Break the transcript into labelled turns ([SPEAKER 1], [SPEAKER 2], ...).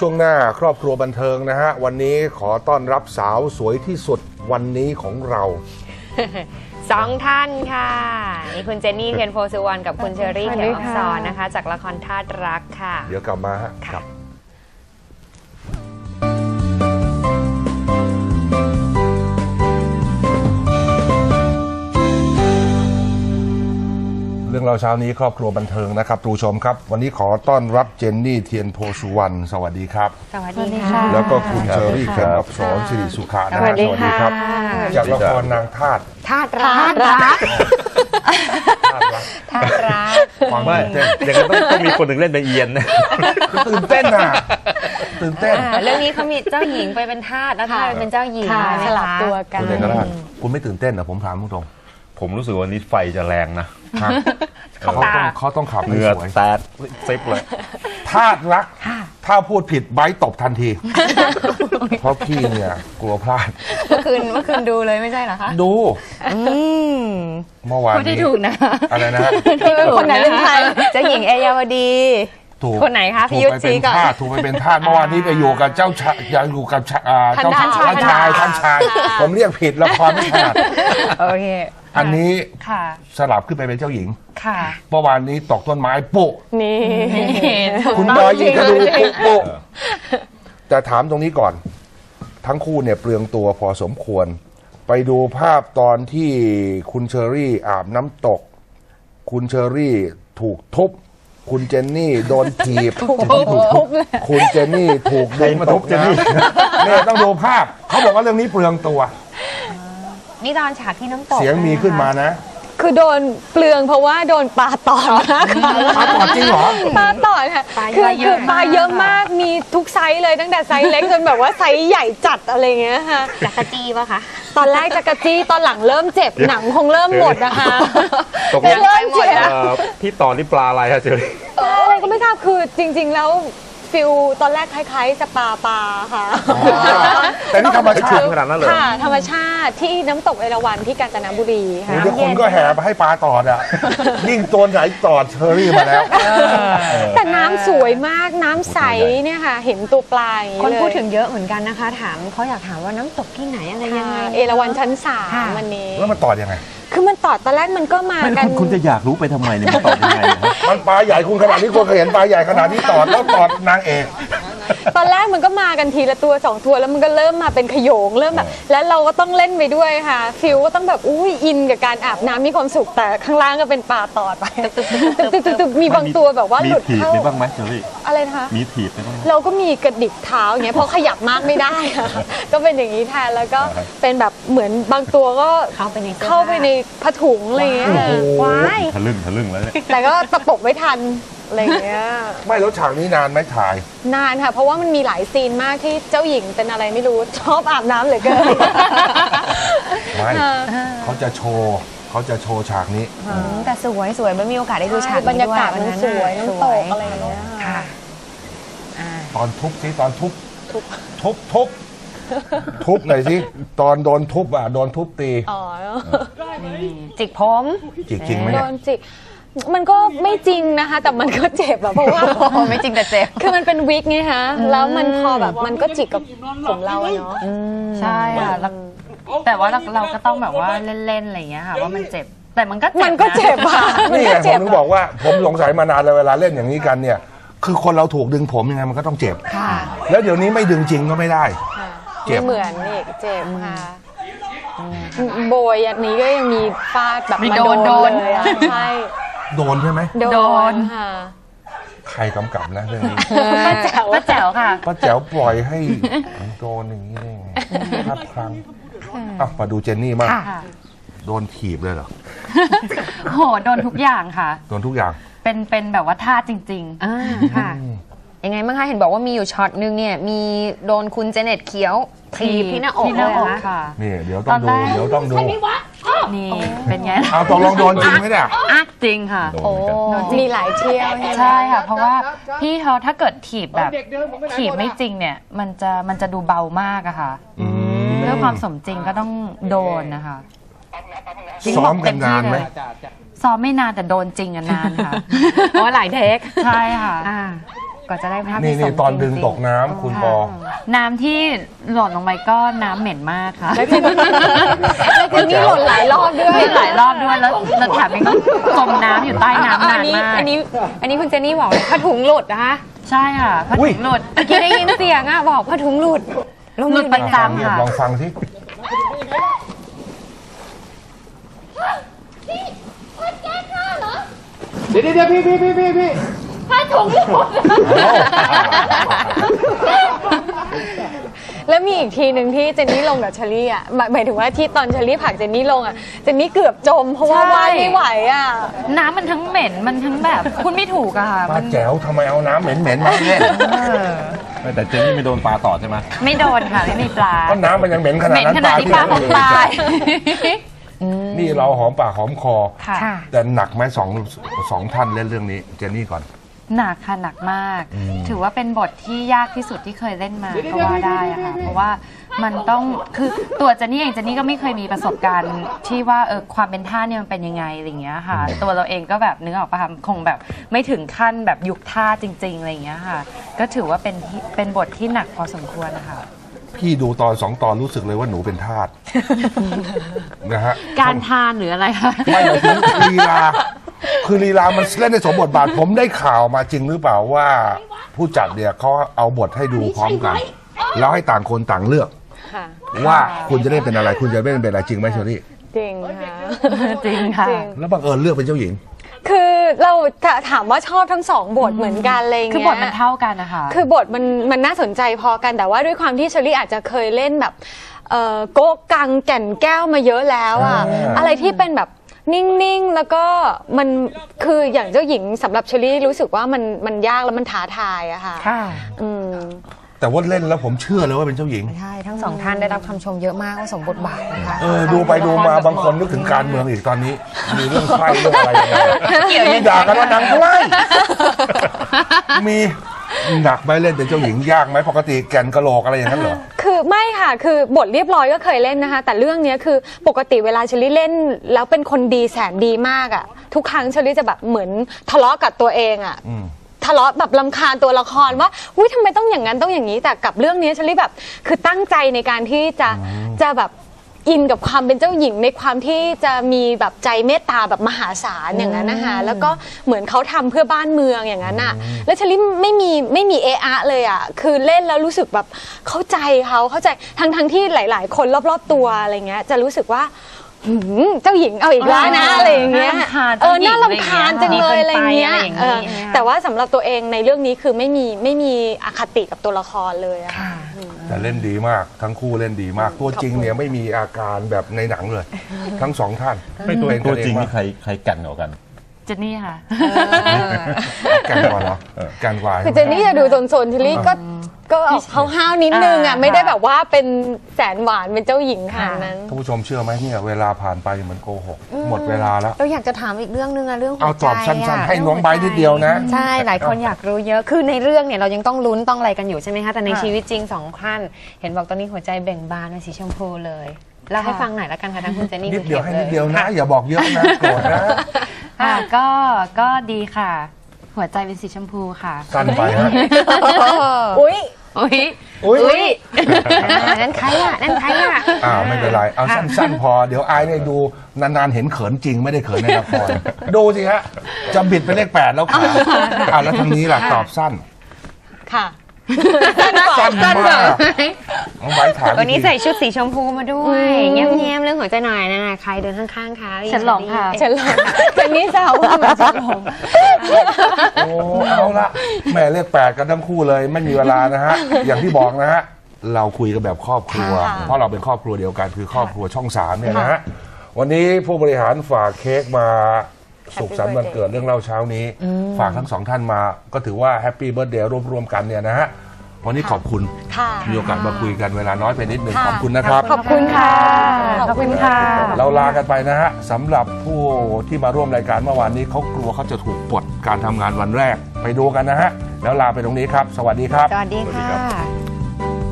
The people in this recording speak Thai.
[SPEAKER 1] ช่วงหน้าครอบครัวบันเทิงนะฮะวันนี้ขอต้อนรับสาวสวยที่สุดวันนี้ของเรา
[SPEAKER 2] สองท่านค่ะนี่คุณเจนนี่เทียนโพสุวรรณกับคุณเชอรี่เขียวอักษรนะคะจากละครธาตุรักค่ะ
[SPEAKER 1] เดี๋ยวกลับมาฮะครับเรื่องเราเช้านี้ครอบครัวบันเทิงนะครับทุกชมครับวันนี้ขอต้อนรับเจนนี่เทียนโพสุวรรณสวัสดีครับ
[SPEAKER 2] สวัสดีค่ะ
[SPEAKER 1] แล้วก็คุณเชอรี่เขียวอักษรสิริสุขานะฮะสวัสดีครับจากละครนางธาตุ
[SPEAKER 2] รัก
[SPEAKER 1] ความตื่นเต้น
[SPEAKER 3] อย่างนั้นต้องมีคนหนึ่งเล่นเป็นเอียนนะ
[SPEAKER 1] ตื่นเต้นอ่ะตื่นเต้น
[SPEAKER 2] เรื่องนี้เขามีเจ้าหญิงไปเป็นทาสแล้วทาสเป็นเจ้าหญิง
[SPEAKER 4] สลับตัวกัน
[SPEAKER 1] คุณเอกราชคุณไม่ตื่นเต้นเหรอผมถามตรง
[SPEAKER 3] ผมรู้สึกว่านี้ไฟจะแรงนะ
[SPEAKER 1] เขาต้องขับให้สวย
[SPEAKER 3] แตดซิปเลย
[SPEAKER 1] ธาตุรักถ้าพูดผิดไบร์ทตบทันทีเพราะพี่เนี่ยกลัวพลาด
[SPEAKER 2] เมื่อคืนดูเลยไม่ใช่เหรอคะ
[SPEAKER 1] ดูเมื่อวาน
[SPEAKER 2] นี้ถูกนะ
[SPEAKER 1] อะไรนะ
[SPEAKER 2] คนไหนเป็นใครเจ้าหญิงเอยาวดีคนไหนคะพี่ยุทธชี้ก่อน
[SPEAKER 1] ถูกไปเป็นทาสเมื่อวานนี้ไปอยู่กับเจ้าชายอยู่กับเจ้าท่านชายผมเรียกผิดละครไม่ถนัด
[SPEAKER 2] โอเค
[SPEAKER 1] อันนี้สลับขึ้นไปเป็นเจ้าหญิงเมื่อวานนี้ตกต้นไม้ปุ๊
[SPEAKER 2] นี่
[SPEAKER 1] คุณบอยยิงกระดูปุ๊แต่ถามตรงนี้ก่อนทั้งคู่เนี่ยเปลืองตัวพอสมควรไปดูภาพตอนที่คุณเชอรี่อาบน้ำตกคุณเชอรี่ถูกทุบคุณเจนนี่โดนถีบคุณเจนนี่ถูกดึงมาทุบเจนนี่เนี่ยต้องดูภาพเขาบอกว่าเรื่องนี้เปลืองตัว
[SPEAKER 2] นี่ตอนฉากที่น้ำตก
[SPEAKER 1] เสียงมีขึ้นมานะ
[SPEAKER 4] คือโดนเปลืองเพราะว่าโดนปลาตอด
[SPEAKER 1] ปลาตอดจริงเหรอ
[SPEAKER 4] ปลาตอดค่ะคือปลาเยอะมากมีทุกไซส์เลยตั้งแต่ไซส์เล็กจนแบบว่าไซส์ใหญ่จัดอะไรเงี้ยค่ะ
[SPEAKER 2] จักรจี้ป่ะคะ
[SPEAKER 4] ตอนแรกจักรจี้ตอนหลังเริ่มเจ็บหนังคงเริ่มหมดนะคะ
[SPEAKER 3] ตกลงพี่ต่อนี่ปลาอะไรคะเจอ
[SPEAKER 4] อะไรก็ไม่ทราบคือจริงๆแล้วฟิลตอนแรกคล้ายๆสปาปลาค่ะ
[SPEAKER 1] แต่นี่ธรรมชาติ
[SPEAKER 3] ขนาดนั้นเลย
[SPEAKER 4] ค่ะธรรมชาติที่น้ำตกเอราวัณที่กาญจนบุรีค่ะ
[SPEAKER 1] ทุกคนก็แห่ไปให้ปลาตอดอ่ะยิ่งตัวไหนตอดเชอรี่มาแล้ว
[SPEAKER 4] แต่น้ำสวยมากน้ำใสเนี่ยค่ะเห็นตัวปลา
[SPEAKER 2] คนพูดถึงเยอะเหมือนกันนะคะถามเขาอยากถามว่าน้ำตกที่ไหนอะไรยังไง
[SPEAKER 4] เอราวัณชั้น3วันนี้
[SPEAKER 1] แล้วมันตอดยังไง
[SPEAKER 4] คือมันตอดตอนแรกมันก็มากัน
[SPEAKER 3] คุณจะอยากรู้ไปทำไมเนี่ยมันตอดยังไง
[SPEAKER 1] มันปลาใหญ่คุณขนาดนี้คุณเคยเห็นปลาใหญ่ขนาดนี้ตอดแล้วตอดนางเอก
[SPEAKER 4] ตอนแรกมันก็มากันทีละตัว2ตัวแล้วมันก็เริ่มมาเป็นขโยงเริ่มแบบแล้วเราก็ต้องเล่นไปด้วยค่ะฟิลก็ต้องแบบอุ้ยอินกับการอาบน้ำมีความสุขแต่ข้างล่างก็เป็นปลาตอดไปมีบางตัวแบบว่าหลุดเข้า
[SPEAKER 3] มีบ้างไหมเชอรี่
[SPEAKER 4] อะไรนะคะ
[SPEAKER 3] มีถีบไหม
[SPEAKER 4] เราก็มีกระดิกเท้าอย่างเงี้ยเพราะขยับมากไม่ได้ก็เป็นอย่างนี้แทนแล้วก็เป็นแบบเหมือนบางตัวก็เข้าไปในผ้าถุงอะไรเงี้ยว้าย
[SPEAKER 3] ทะลึ่งแล้วเนี่ย
[SPEAKER 4] แต่ก็ตะปบไม่ทันอะไรเงี้ย
[SPEAKER 1] ไม่แล้วฉากนี้นานไหมถ่าย
[SPEAKER 4] นานค่ะเพราะว่ามันมีหลายซีนมากที่เจ้าหญิงเป็นอะไรไม่รู้ชอบอาบน้ำเหลือเกิน
[SPEAKER 1] ไม่เขาจะโชว์ฉากนี้
[SPEAKER 2] แต่สวยไม่มีโอกาสได้ดูฉาก
[SPEAKER 4] บรรยากาศมันสวยน้ำตกอะไรเงี้ยค่ะ
[SPEAKER 1] ตอนทุบสิตอนทุบหน่อยสิตอนโดนทุบโดนทุบตี
[SPEAKER 2] จิกผม
[SPEAKER 1] จิกจริงไหมเนี่ย
[SPEAKER 4] โดนจิกมันก็ไม่จริงนะคะแต่มันก็เจ็บเพราะว่า
[SPEAKER 2] ไม่จริงแต่เจ็บ
[SPEAKER 4] คือมันเป็นวิกไงคะแล้วมันพอแบบมันก็จิกกับผมเราเนาะ
[SPEAKER 2] ใช่ค่ะแต่ว่าเราก็ต้องแบบว่าเล่นๆอะไรอย่างเงี้ยค่ะว่ามันเจ็บแต่มันก็เ
[SPEAKER 4] จ็บค่ะ
[SPEAKER 1] นี่ไงผมถึงบอกว่าผมสงสัยมานานเลยเวลาเล่นอย่างนี้กันเนี่ยคือคนเราถูกดึงผมยังไงมันก็ต้องเจ็บแล้วเดี๋ยวนี้ไม่ดึงจริงก็ไม่ได้
[SPEAKER 4] เจ็บเหมือนนี่เจ็บค่ะโบยอันนี้ก็ยังมีฟาดแบบมาโดนเลยใช่
[SPEAKER 1] โดนใช่ไหม
[SPEAKER 4] โดนค่ะ
[SPEAKER 1] ใครกำกับนะเรื่องนี้
[SPEAKER 2] ป้าแจ๋วค่ะ
[SPEAKER 1] ป้าแจ๋วปล่อยให้โดนอย่างนี้ได้ไงนับครั้งมาดูเจนนี่มากโดนถีบเลยเหรอ
[SPEAKER 2] โหโดนทุกอย่างค่ะ
[SPEAKER 1] โดนทุกอย่าง
[SPEAKER 2] เป็นแบบว่าท่าจริงๆค่ะยังไงบ้างคะเห็นบอกว่ามีอยู่ช็อตนึงเนี่ยมีโดนคุณเจเน็ตเขียวถีบที่หน้าอกเลยค่ะ
[SPEAKER 1] นี่เดี๋ยวต้องดู
[SPEAKER 2] นี่เป็นไง
[SPEAKER 1] เอาตกลงโดนจริงไหมเนี่ย
[SPEAKER 2] จริงค่ะ
[SPEAKER 4] โอ้มีหลายเที่ยว
[SPEAKER 2] ใช่ค่ะเพราะว่าพี่เขาถ้าเกิดถีบแบบถีบไม่จริงเนี่ยมันจะดูเบามากอะค่ะเพื่อความสมจริงก็ต้องโดนนะคะ
[SPEAKER 1] ซ้อมกันนานไหม
[SPEAKER 2] ซ้อมไม่นานแต่โดนจริงนานค่ะเพราะหลายเทคใช่ค่ะก็จะได้ภาพ
[SPEAKER 1] นี่
[SPEAKER 2] ที่สมจริง
[SPEAKER 1] ตอนดึงตกน้ำคุณปอ
[SPEAKER 2] น้ำที่หล่นลงไปก็น้ำเหม็นมากค่ะ
[SPEAKER 4] แล้วทีนี้หล่นหลายรอบด้วย
[SPEAKER 2] หลายรอบด้วยแล้วแถมยังต้องจมน้ำอยู่ใต้น้ำนานมาก
[SPEAKER 4] อันนี้คุณเจนนี่บอกเลยผ้าถุงหลุดนะคะ
[SPEAKER 2] ใช่ค่ะผ้าถุงหลุด
[SPEAKER 4] เมื่อกี้ได้ยินเสียงอ่ะบอกผ้าถุงหลุด
[SPEAKER 2] หลุดประจำค่ะ
[SPEAKER 1] ลองฟังสิ
[SPEAKER 5] เดี๋ยวพี่
[SPEAKER 4] แล้วมีอีกทีหนึ่งที่เจนนี่ลงกับเชอรี่อ่ะหมายถึงว่าที่ตอนเชอรี่ผลักเจนนี่ลงอ่ะเจนนี่เกือบจมเพราะว่า
[SPEAKER 2] ใช่
[SPEAKER 4] ว่ายไม่ไหวอ่ะ
[SPEAKER 2] น้ำมันทั้งเหม็นมันทั้งแบบคุณไม่ถูกอะค่ะ
[SPEAKER 1] ป้า
[SPEAKER 2] มัน
[SPEAKER 1] แจ๋วทำไมเอาน้ำเหม็นๆมาเล่น
[SPEAKER 3] แต่เจนนี่ไม่โดนปลาต่อใช่ไหม
[SPEAKER 2] ไม่โดนค่ะไม่มีปลา
[SPEAKER 1] ก็น้ำมันยังเหม็นขนา
[SPEAKER 2] เห
[SPEAKER 1] ด
[SPEAKER 2] ม็น
[SPEAKER 1] นั้น
[SPEAKER 2] ขนาดที่ปลาของตาย
[SPEAKER 1] นี่เราหอมปากหอมคอ
[SPEAKER 2] ค่ะ
[SPEAKER 1] แต่หนักไหมสองท่านเล่นเรื่องนี้ เจนนี่ก่อน
[SPEAKER 2] หนักค่ะหนักมาก ถือว่าเป็นบทที่ยากที่สุดที่เคยเล่นมาก็ว่าได้อะค่ะเพราะว่ามันต้องคือตัวเจนนี่เองเจนนี่ก็ไม่เคยมีประสบการณ์ที่ว่าความเป็นท่าเนี่ยมันเป็นยังไงอะไรอย่างเงี้ยค่ะ ตัวเราเองก็แบบนึกออกปะคะคงแบบไม่ถึงขั้นแบบยุคท่าจริงๆอะไรอย่างเงี้ยค่ะ ก็ถือว่าเป็นบทที่หนักพอสมควรนะคะ
[SPEAKER 1] พี่ดูตอน2 ตอนรู้สึกเลยว่าหนูเป็นทาส นะฮะ
[SPEAKER 2] การทานหรืออะไรคะ
[SPEAKER 1] ไม่หมายถึงลีลา คือลีลามันเล่นในสมบทบาท ผมได้ข่าวมาจริงหรือเปล่าว่า ผู้จัดเนี่ยเขาเอาบทให้ดูพร้อมกัน แล้วให้ต่างคนต่างเลือก
[SPEAKER 4] ค่ะ
[SPEAKER 1] ว่าคุณจะเล่นเป็นอะไร คุณจะเล่นเป็นอะไรจริงไหมเชอรี่
[SPEAKER 4] จริงค่ะ
[SPEAKER 2] จริงค่ะ
[SPEAKER 4] จริง
[SPEAKER 1] แล้วบังเอิญเลือกเป็นเจ้าหญิง
[SPEAKER 4] คือเราถามว่าชอบทั้งสองบทเหมือนกันอะไรเงี้ย
[SPEAKER 2] คือบทมันเท่ากันนะคะ
[SPEAKER 4] คือบทมันน่าสนใจพอกันแต่ว่าด้วยความที่เชอรี่อาจจะเคยเล่นแบบโก๊กกังแก่นแก้วมาเยอะแล้วอะ อะไรที่เป็นแบบนิ่งๆแล้วก็มันคืออย่างเจ้าหญิงสำหรับเชอรี่รู้สึกว่ามันยากแล้วมันท้าทายอะค่ะ
[SPEAKER 2] ค่ะ
[SPEAKER 4] อืม
[SPEAKER 1] แต่ว่าเล่นแล้วผมเชื่อเลยว่าเป็นเจ้าหญิง
[SPEAKER 6] ใช่ทั้งสองท่านได้รับคำชมเยอะมากว่าสมบทบาทนะคะ
[SPEAKER 1] ดูไปดูมาบางคนนึกถึงการเมืองอีกตอนนี้ มีเรื่องไพ่เรื่องอะไรยังไงมีด่ากันว่านางไพ่มีหนักไหมเล่นเป็นเจ้าหญิงยากไหมปกติแก่นกะโหลกอะไรอย่างนั้นเหรอ
[SPEAKER 4] คือไม่ค่ะ คือบทเรียบร้อยก็เคยเล่นนะคะ แต่เรื่องเนี้ยคือปกติเวลาเชอรี่เล่นแล้วเป็นคนดีแสนดีมากอะทุกครั้งเชอรี่จะแบบเหมือนทะเลาะกับตัวเองอะทะเลาะแบบรำคาญตัวละครว่าอุ้ยทำไมต้องอย่างนั้นต้องอย่างนี้แต่กับเรื่องนี้เชอรี่แบบคือตั้งใจในการที่จะแบบอินกับความเป็นเจ้าหญิงในความที่จะมีแบบใจเมตตาแบบมหาศาลอย่างนั้นนะคะแล้วก็เหมือนเขาทำเพื่อบ้านเมืองอย่างนั้นอ่ะแล้วเชอรี่ไม่มีเอะอะเลยอ่ะคือเล่นแล้วรู้สึกแบบเข้าใจทั้งที่หลายๆ คนรอบๆตัวอะไรเงี้ยจะรู้สึกว่าเจ้าหญิงเอาอีกแล้วนะอะไรอย่างเงี้ยน่ารำคาญจังเลยอะไรเงี้ยแต่ว่าสำหรับตัวเองในเรื่องนี้คือไม่มีอคติกับตัวละครเลยอะ
[SPEAKER 1] แต่เล่นดีมากทั้งคู่เล่นดีมาก ตัวจริงเนี่ยไม่มีอาการแบบในหนังเลย ทั้งสองท่าน
[SPEAKER 3] ไม่ตัว
[SPEAKER 1] เป็น
[SPEAKER 3] ตัวจริง
[SPEAKER 1] เอ
[SPEAKER 3] นี่ใครแก่นกว่ากัน
[SPEAKER 2] เจนนี่ค่ะ
[SPEAKER 1] แกันกว่าเหรอแกันกว่า
[SPEAKER 4] คือเจนนี่จะดูโซนๆทีลี่ก็เขาห้าวนิดนึงอ่ะไม่ได้แบบว่าเป็นแสนหวานเป็นเจ้าหญิงขนาดนั้น
[SPEAKER 1] ท่านผู้ชมเชื่อไหมเนี่ยเวลาผ่านไปเหมือนโกหกหมดเวลาแล้ว
[SPEAKER 6] เราอยากจะถามอีกเรื่องนึงอะเรื่องหั
[SPEAKER 1] เอา
[SPEAKER 6] วใจ
[SPEAKER 1] ตอบสั้นๆ ให้น้องไบร์ทนิดเดียวนะ
[SPEAKER 6] ใช่หลายคนอยากรู้เยอะคือในเรื่องเนี่ยเรายังต้องลุ้นต้องอะไรกันอยู่ใช่ไหมคะแต่ในชีวิตจริงสองท่านเห็นบอกตอนนี้หัวใจเบ่งบานเป็นสีชมพูเลยเล่าให้ฟังหน่อยละกันค่ะทั้งคุณเจนนี่
[SPEAKER 1] นิ
[SPEAKER 6] คุ
[SPEAKER 1] ด
[SPEAKER 6] ณ
[SPEAKER 1] เดียว
[SPEAKER 6] ข็
[SPEAKER 1] ให้
[SPEAKER 6] ม
[SPEAKER 1] นิดเดียว
[SPEAKER 6] ล
[SPEAKER 1] นะ อย่าบอกเยอะนะโกรธนะ
[SPEAKER 2] ค่ะก็ดีค่ะ หัวใจเป็นสีชมพูค่ะ
[SPEAKER 1] สั้นไปฮะ
[SPEAKER 4] อุ้ย
[SPEAKER 2] อุ้ย
[SPEAKER 1] อุ้ย
[SPEAKER 6] นั่นใครอะนั่นใครอะ
[SPEAKER 1] ไม่เป็นไร เอาสั้นๆพอ เดี๋ยวอายเนี่ยดูนานๆเห็นเขินจริงไม่ได้เขินในละคร ดูสิฮะ จะบิดไปเลข 8 แล้วค่ะแล้วทางนี้ล่ะตอบสั้น
[SPEAKER 4] ค่ะ
[SPEAKER 1] สั้นมากน้องไบร์ทถาม
[SPEAKER 6] วันนี้
[SPEAKER 1] อีกที
[SPEAKER 6] ใส่ชุดสีชมพูมาด้วยแง้มๆเรื่องหัวใจหน่อยนะใครเดินข้างๆคะ
[SPEAKER 2] ฉันหลงค่ะ
[SPEAKER 4] ฉันหลงเจนนี่แซวว่าเหมือนฉันหลง
[SPEAKER 1] โอ้เอาละแม่เลข 8 กันทั้งคู่เลยไม่มีเวลานะฮะ อย่างที่บอกนะฮะ เราคุยกันแบบครอบครัว
[SPEAKER 4] ค่ะ
[SPEAKER 1] เพราะเราเป็นครอบครัวเดียวกันคือครอบครัวช่อง 3เนี่ยนะฮะ วันนี้ผู้บริหารฝากเค้กมาสุขสันต์วันเกิดเรื่องเล่าเช้านี้ ฝากทั้งสองท่านมาก็ถือว่าแฮปปี้เบิร์ธเดย์รวมๆกันเนี่ยนะฮะ วันนี้ขอบคุณ
[SPEAKER 4] ค่ะ
[SPEAKER 1] มีโอกาสมาคุยกันเวลาน้อยไปนิดนึงขอบคุณนะครับ
[SPEAKER 4] ขอบคุณค่ะ
[SPEAKER 2] ขอบคุณค่ะ
[SPEAKER 1] เราลากันไปนะฮะสำหรับผู้ที่มาร่วมรายการเมื่อวานนี้เขากลัวเขาจะถูกปลดการทำงานวันแรกไปดูกันนะฮะ แล้วลาไปตรงนี้ครับ สวัสดีครับ
[SPEAKER 6] สวัสดีค่ะ